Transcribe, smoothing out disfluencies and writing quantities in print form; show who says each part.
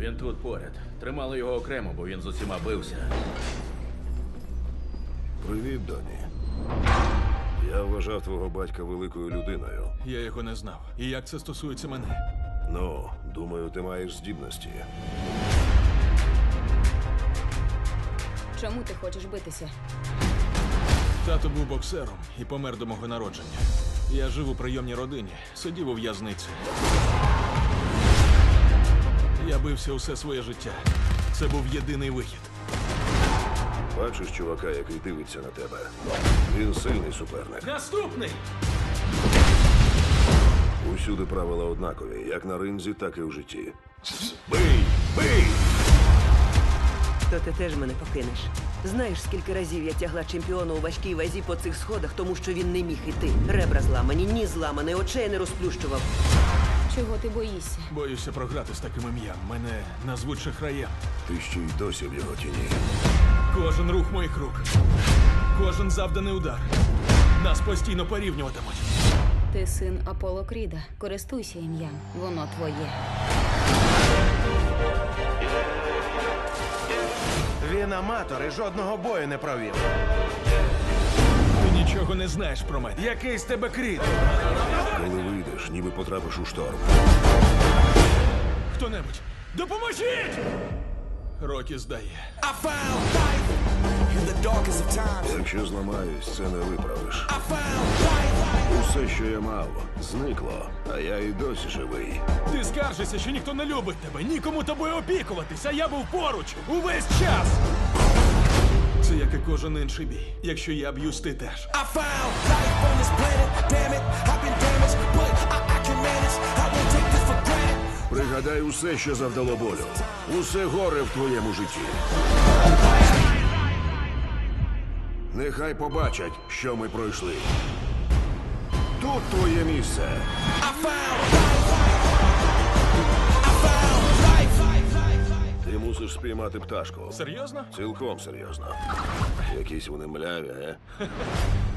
Speaker 1: Він тут поряд. Тримали його окремо, бо він з усіма бився.
Speaker 2: Привіт, Доні. Я вважав твого батька великою людиною.
Speaker 3: Я його не знав. І як це стосується мене?
Speaker 2: Ну, думаю, ти маєш здібності.
Speaker 4: Чому ти хочеш битися?
Speaker 3: Тато був боксером і помер до мого народження. Я жив у прийомній родині, сидів у в'язниці. Я бився усе своє життя. Це був єдиний вихід.
Speaker 2: Бачиш чувака, який дивиться на тебе? Він сильний суперник.
Speaker 3: Наступний!
Speaker 2: Усюди правила однакові, як на ринзі, так і в житті. Бий! Бий!
Speaker 5: То ти теж мене покинеш. Знаєш, скільки разів я тягла чемпіона у важкій вазі по цих сходах, тому що він не міг іти. Ребра зламані, ніс зламаний, очей не розплющував.
Speaker 4: Чого ти боїшся?
Speaker 3: Боюся програти з таким ім'ям. Мене назвуть шахраєм.
Speaker 2: Ти ще й досі в його тіні.
Speaker 3: Кожен рух моїх рук, кожен завданий удар. Нас постійно порівнюватимуть.
Speaker 4: Ти син Аполло Кріда. Користуйся ім'ям. Воно твоє.
Speaker 6: Він аматор і жодного бою не провів.
Speaker 3: Ти нічого не знаєш про мене.
Speaker 6: Який з тебе кріт?
Speaker 2: Коли вийдеш, ніби потрапиш у шторм.
Speaker 3: Хто-небудь, допоможіть! Рокі здає.
Speaker 7: I found life in the darkest of times.
Speaker 2: Якщо зламаюсь, це не виправиш.
Speaker 7: I found life.
Speaker 2: Усе, що я мав, зникло, а я і досі живий.
Speaker 3: Ти скаржишся, що ніхто не любить тебе, нікому тобою опікуватись, а я був поруч увесь час. Це як і кожен інший бій. Якщо я б'юсь, ти теж.
Speaker 7: I found life on this planet. Damn it, I've been damaged, but I can manage. I won't take this for granted.
Speaker 2: Пригадай усе, що завдало болю. Усе горе в твоєму житті. Нехай побачать, що ми пройшли. Тут твоє місце.
Speaker 7: I found life. I found life.
Speaker 2: Ти мусиш спіймати пташку.
Speaker 3: Серйозно?
Speaker 2: Цілком серйозно. Якісь вони мляві,